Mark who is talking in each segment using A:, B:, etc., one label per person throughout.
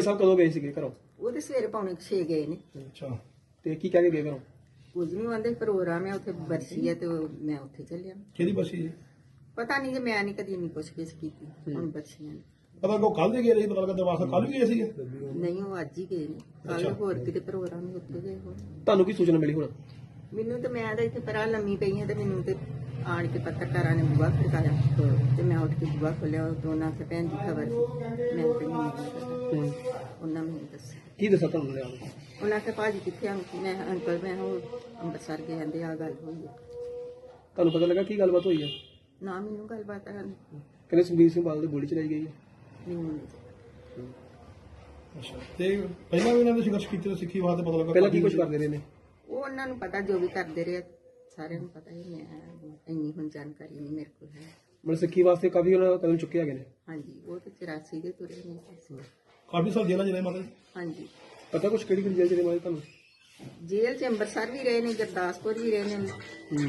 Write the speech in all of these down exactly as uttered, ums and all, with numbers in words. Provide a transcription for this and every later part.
A: ਸਾਹਿਬ ਕਦੋਂ ਗਏ ਸੀਗੇ ਘਰੋਂ?
B: ਉਹ ਤੇ ਸਵੇਰੇ ਪੌਣੇ ਛੇ ਗਏ ਨੇ।
A: ਅੱਛਾ, ਤੇ ਕੀ ਕਹਿ ਕੇ ਗਏ ਘਰੋਂ?
B: ਕੁਝ ਨਹੀਂ ਆਂਦੇ, ਪ੍ਰੋਗਰਾਮ ਹੈ ਉੱਥੇ, ਬਰਸੀ ਹੈ ਤੇ ਉਹ- ਮੈਂ ਉੱਥੇ ਚੱਲਿਆ।
C: ਕਿਹਦੀ ਬਸੀ ਜੀ?
B: ਪਤਾ ਨਹੀਂ, ਜੇ ਮੈਂ ਨਹੀਂ ਕਦੀ ਇੰਨੀ ਪੁੱਛ-ਗਿੱਛ ਕੀਤੀ। ਹੁਣ ਬਰਸੀਆਂ ਨੇ।
C: ਪਤਾ ਕੋ ਕੱਲ ਦੇ ਗਏ ਰਹੀ, ਪਤਾ ਲੱਗਾ ਦਰਬਾਰ ਸਾਹਿਬ ਕੱਲ ਵੀ ਗਏ ਸੀਗੇ।
B: ਨਹੀਂ, ਉਹ ਅੱਜ ਹੀ ਗਏ ਨੇ। ਕੱਲ ਹੋਰ ਕਿਤੇ ਪ੍ਰੋਗਰਾਮ ਹੀ ਉੱਥੇ ਗਏ ਹੋਣ।
A: ਤੁਹਾਨੂੰ ਕੀ ਸੂਚਨਾ ਮਿਲੀ ਹੁਣ?
B: ਮੈਨੂੰ ਤੇ, ਮੈਂ ਤਾਂ ਇੱਥੇ ਪਰਾਂ ਲੰਮੀ ਪਈ ਹਾਂ ਤੇ ਮੈਨੂੰ ਤੇ ਆਣ ਕੇ ਪੱਤਰਕਾਰਾਂ ਨੇ ਬੁਆ ਖੜਕਾਇਆ ਤੇ ਮੈਂ ਉੱਠ ਕੇ ਬੁਆ ਖੋਲਿਆ। ਦੋਨਾਂ ਤੇ ਭੈਣ ਦੀ ਖਬਰ ਸੀ, ਮੈਂ ਤੇ ਨਹੀਂ ਪਤਾ। ਉਹਨਾਂ ਮੈਨੂੰ ਦੱਸਿਆ।
A: ਕੀ ਦੱਸਾਂ ਤੁਹਾਨੂੰ ਲਿਆ?
B: ਉਹਨਾਂ ਕੇ ਭਾਜੀ ਕਿੱਥੇ ਆਂ? ਮੈਂ ਅੰਕਲ ਮੈਂ ਉਹ ਅੰਮ੍ਰਿਤਸਰ ਗਏ, ਕਹਿੰਦੇ ਆ ਗੱਲ ਹੋਈ ਹੈ।
A: ਤੁਹਾਨੂੰ ਪਤਾ ਲੱਗਾ ਕੀ ਗੱਲਬਾਤ ਹੋਈ ਹੈ?
B: ਨਾ ਮੈਨੂੰ ਗੱਲਬਾਤ ਆ
A: ਕਹਿੰਦੇ ਸੁਖਬੀਰ ਸਿੰਘ ਬਾਦਲ ਦੀ ਗੋਲੀ ਚਲਾਈ ਗਈ ਹੈ।
B: ਮੈਨੂੰ ਨਹੀਂ।
C: ਅੱਛਾ, ਤੇ ਪਹਿਲਾਂ ਵੀ ਇਹਨਾਂ ਨੇ ਸੰਘਰਸ਼ ਕੀਤੇ ਤਾਂ ਸਿੱਖੀ ਵਾਸਤੇ ਪਤਾ ਲੱਗਾ
A: ਪਹਿਲਾਂ ਕੀ ਕੁਝ ਕਰਦੇ ਰਹੇ ਨੇ?
B: ਉਹ ਉਹਨਾਂ ਨੂੰ ਪਤਾ, ਜੋ ਵੀ ਕਰਦੇ ਰਹੇ ਸਾਰਿਆਂ ਨੂੰ ਪਤਾ ਹੀ। ਮੈਂ ਇੰਨੀ ਹੁਣ ਜਾਣਕਾਰੀ ਨਹੀਂ ਮੇਰੇ ਕੋਲ ਹੈ।
A: ਮਤਲਬ ਸਿੱਖੀ ਵਾਸਤੇ ਕਾਫੀ ਉਹਨਾਂ ਕਦਮ ਚੁੱਕੇ ਹੈਗੇ ਨੇ।
B: ਹਾਂਜੀ, ਉਹ ਤੇ ਚੁਰਾਸੀ ਦੇ ਤੁਰੇ ਨੇ।
C: ਕਾਫੀ ਸਾਲ ਜੇਲ੍ਹਾਂ ਜਿਹੜੇ ਮਤਲਬ।
B: ਹਾਂਜੀ,
A: ਪਤਾ ਕੁਛ ਕਿਹੜੀ ਕਿਹੜੀ ਜੇਲ੍ਹ ਚ ਨੇ ਮਾਰੇ ਤੁਹਾਨੂੰ?
B: ਜੇਲ੍ਹ ਚ ਅੰਮ੍ਰਿਤਸਰ ਵੀ ਰਹੇ ਨੇ, ਗੁਰਦਾਸਪੁਰ ਵੀ ਰਹੇ ਨੇ,
A: ਹੂੰ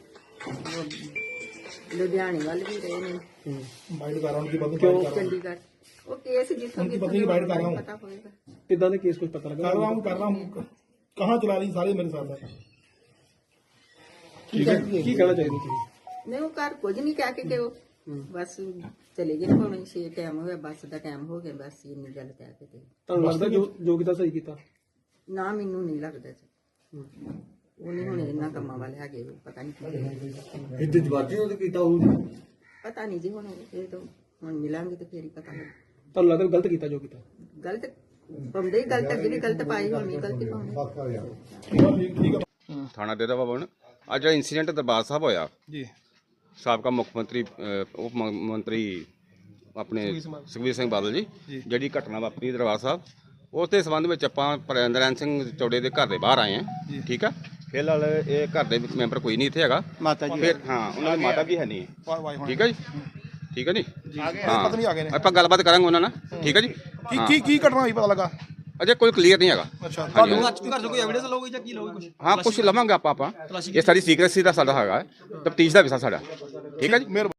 B: ਉਹ ਲੁਧਿਆਣੇ ਵੱਲ ਵੀ ਰਹੇ ਨੇ,
A: ਹੂੰ
C: ਬਾਈਟ ਕਰ ਰਹਾ ਹੂੰ ਕਿ ਬੰਦ
A: ਕਿਉਂ?
C: ਕਰ ਰਹਾ हूं
B: ਚੰਡੀਗੜ੍ਹ। ਉਹ ਕੇਸ ਜਿੱਥੋਂ
C: उनकी
B: ਜਿੱਥੋਂ
C: पत्नी की बाइट कर रहा हूं।
B: ਪਤਾ ਹੋਏਗਾ।
A: ਕਿੱਦਾਂ ਦੇ ਕੇਸ ਕੁਝ ਪਤਾ ਲੱਗਾ?
C: कर रहा हूं कर रहा हूं कहाँ चला रही सारे मेरे साथ है।
A: ਕੀ ਕਹਿ- ਕੀ ਕਹਿਣਾ ਚਾਹੀਦਾ ਤੁਸੀਂ?
B: ਨਹੀਂ, ਉਹ ਘਰ ਕੁਝ ਨਹੀਂ ਕਹਿ ਕੇ ਗਏ। ਉਹ ਬਸ ਚਲੇ ਗਏ। ਭਾਵੇਂ ਛੇ ਟਾਈਮ ਹੋਇਆ, ਬੱਸ ਦਾ ਟਾਈਮ ਹੋ ਗਿਆ, ਬਸ ਇੰਨੀ ਗੱਲ ਕਹਿ ਕੇ ਤੇ।
A: ਤੁਹਾਨੂੰ ਲੱਗਦਾ ਜੋ ਜੋ ਕੀਤਾ ਸਹੀ ਕੀਤਾ?
B: ਨਾ, ਮੈਨੂੰ ਨਹੀਂ ਲੱਗਦਾ ਜੀ। ਉਹ ਨਹੀਂ ਹੁਣ ਇਹਨਾਂ ਕੰਮਾਂ ਵਾਲੇ ਹੈਗੇ, ਪਤਾ ਨਹੀਂ ਕੀ
D: ਇੱਥੇ ਜਵਾਜੀ ਉਹਦੇ ਕੀਤਾ ਹੋਊ।
B: ਪਤਾ ਨਹੀਂ ਜੀ। ਹੁਣ ਇਹ ਤਾਂ ਹੁਣ ਮਿਲਾਂਗੇ ਤੇ ਫੇਰ ਹੀ ਪਤਾ ਲੱਗ।
A: ਤੁਹਾਨੂੰ ਲੱਗਦਾ ਗਲਤ ਕੀਤਾ ਜੋ ਕੀਤਾ?
B: ਗਲਤ ਪਾਉਂਦੇ ਹੀ ਗਲਤ, ਅੱਗੇ ਵੀ ਗਲਤ ਪਾਈ ਹੋਣੀ, ਗਲਤੀ ਪਾਉਂਦੇ।
C: ठीक है।
E: ਥਾਣਾ ਡੇਰਾ ਭਵਨ ਅੱਜ ਜਿਹੜਾ ਇਨਸੀਡੈਂਟ ਦਰਬਾਰ ਸਾਹਿਬ ਹੋਇਆ
C: जी
E: ਸਾਬਕਾ ਮੁੱਖ ਮੰਤਰੀ ਅਹ, ਉਪ ਮ- ਮੰਤਰੀ ਆਪਣੇ ਸੁਖਬੀਰ ਸਿੰਘ ਬਾਦਲ ਜੀ ਜਿਹੜੀ ਘਟਨਾ ਵਾਪਰੀ ਦਰਬਾਰ ਸਾਹਿਬ, ਉਸ ਦੇ ਸੰਬੰਧ ਵਿੱਚ ਆਪਾਂ ਪ੍ਰਿੰਦਰਨ ਸਿੰਘ ਚੌੜੇ ਦੇ ਘਰ ਦੇ ਬਾਹਰ ਆਏ ਹਾਂ। ਠੀਕ ਆ, ਫਿਲਹਾਲ ਇਹ ਘਰ ਦੇ ਵਿੱਚ ਮੈਂਬਰ ਕੋਈ ਨਹੀਂ ਇੱਥੇ ਹੈਗਾ।
C: माता जी
E: ਫਿਰ ਹਾਂ, ਉਹਨਾਂ ਦੀ ਮਾਤਾ ਵੀ ਹੈ ਨਹੀਂ। ਠੀਕ ਆ ਜੀ, ਠੀਕ ਆ ਜੀ।
C: पत्नी आ गए ने।
E: ਆਪਾਂ ਗੱਲਬਾਤ ਕਰਾਂਗੇ ਉਹਨਾਂ ਨਾਲ। ਠੀਕ ਆ ਜੀ।
C: की की की घटना हुई पता लगा?
E: ਅਜੇ ਕੋਈ ਕਲੀਅਰ ਨਹੀਂ ਹੈਗਾ।
C: अच्छा
E: ਹਾਂਜੀ,
C: ਤੁਹਾਨੂੰ
E: ਘਰ ਤੋਂ ਕੋਈ ਐਵੀਡੈਂਸ ਲਓਗੇ ਜਾਂ ਕੀ ਲਓਗੇ ਕੁਝ? ਹਾਂ, ਕੁਝ ਲਵਾਂਗੇ ਆਪਾਂ ਆਪਾਂ ਇਹ ਸਾਰੀ ਸੀਕ੍ਰੇਸੀ ਦਾ ਸਾਡਾ ਹੈਗਾ, ਤਫਤੀਸ਼ ਦਾ ਵਿਸ਼ਾ ਸਾਡਾ। ਠੀਕ ਆ ਜੀ।